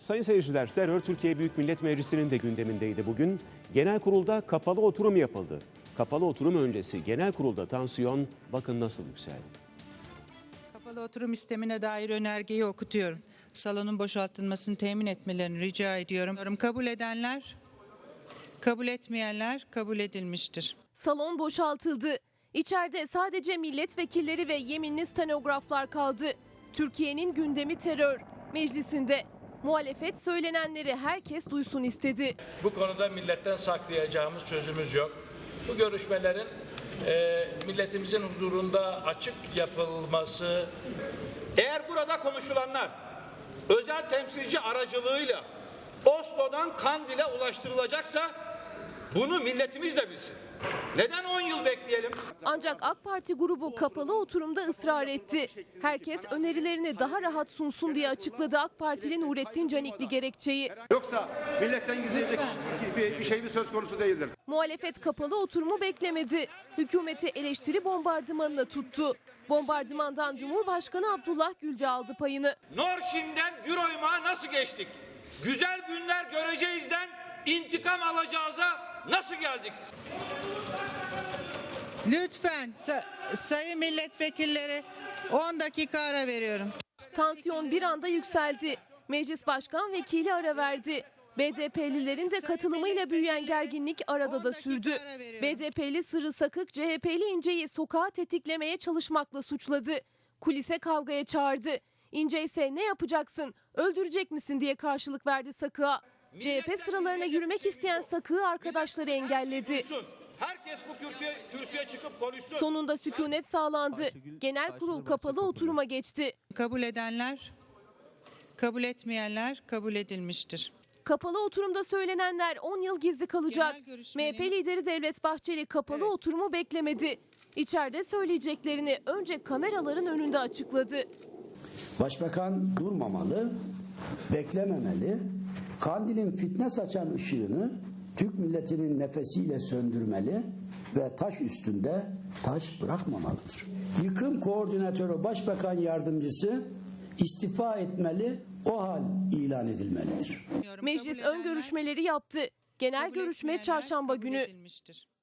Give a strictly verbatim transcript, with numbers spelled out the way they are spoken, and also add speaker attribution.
Speaker 1: Sayın seyirciler, terör Türkiye Büyük Millet Meclisi'nin de gündemindeydi bugün. Genel kurulda kapalı oturum yapıldı. Kapalı oturum öncesi genel kurulda tansiyon bakın nasıl yükseldi.
Speaker 2: Kapalı oturum sistemine dair önergeyi okutuyorum. Salonun boşaltılmasını temin etmelerini rica ediyorum. Kabul edenler, kabul etmeyenler kabul edilmiştir.
Speaker 3: Salon boşaltıldı. İçeride sadece milletvekilleri ve yeminli stenograflar kaldı. Türkiye'nin gündemi terör. Meclisinde muhalefet söylenenleri herkes duysun istedi.
Speaker 4: Bu konuda milletten saklayacağımız sözümüz yok. Bu görüşmelerin e, milletimizin huzurunda açık yapılması.
Speaker 5: Eğer burada konuşulanlar özel temsilci aracılığıyla Oslo'dan Kandil'e ulaştırılacaksa bunu milletimiz de bilsin. Neden on yıl bekleyelim?
Speaker 3: Ancak AK Parti grubu kapalı oturumda ısrar etti. Herkes önerilerini daha rahat sunsun diye açıkladı AK Partili Nurettin Canikli gerekçeyi.
Speaker 6: Yoksa milletten gizleyecek bir, bir şey mi söz konusu değildir.
Speaker 3: Muhalefet kapalı oturumu beklemedi. Hükümeti eleştiri bombardımanına tuttu. Bombardımandan Cumhurbaşkanı Abdullah Gül de aldı payını.
Speaker 5: Norşin'den Güroymak'a nasıl geçtik? Güzel günler göreceğizden intikam alacağıza nasıl geldik?
Speaker 2: Lütfen sa- sayın milletvekilleri on dakika ara veriyorum.
Speaker 3: Tansiyon bir anda yükseldi. Meclis Başkan Vekili ara verdi. B D P'lilerin de katılımıyla büyüyen gerginlik arada da sürdü. B D P'li Sırrı Sakık C H P'li İnce'yi sokağa tetiklemeye çalışmakla suçladı. Kulise kavgaya çağırdı. İnce ise ne yapacaksın, öldürecek misin diye karşılık verdi Sakık'a. C H P sıralarına yürümek isteyen Sakık'ı arkadaşları engelledi.
Speaker 5: Herkes bu kürsüye, kürsüye çıkıp konuşsun.
Speaker 3: Sonunda sükunet sağlandı. Genel kurul kapalı oturuma geçti.
Speaker 2: Kabul edenler, kabul etmeyenler kabul edilmiştir.
Speaker 3: Kapalı oturumda söylenenler on yıl gizli kalacak.
Speaker 2: Genel görüşmenin-
Speaker 3: M H P lideri Devlet Bahçeli kapalı
Speaker 2: Evet.
Speaker 3: oturumu beklemedi. İçeride söyleyeceklerini önce kameraların önünde açıkladı.
Speaker 7: Başbakan durmamalı, beklememeli, kandilin fitne saçan ışığını Türk milletinin nefesiyle söndürmeli ve taş üstünde taş bırakmamalıdır. Yıkım koordinatörü başbakan yardımcısı istifa etmeli, o hal ilan edilmelidir.
Speaker 3: Meclis
Speaker 2: Kabul
Speaker 3: ön görüşmeleri yaptı. Genel
Speaker 2: kabul
Speaker 3: görüşme
Speaker 2: etmeyenler
Speaker 3: çarşamba
Speaker 2: kabul
Speaker 3: günü.
Speaker 2: edilmiştir.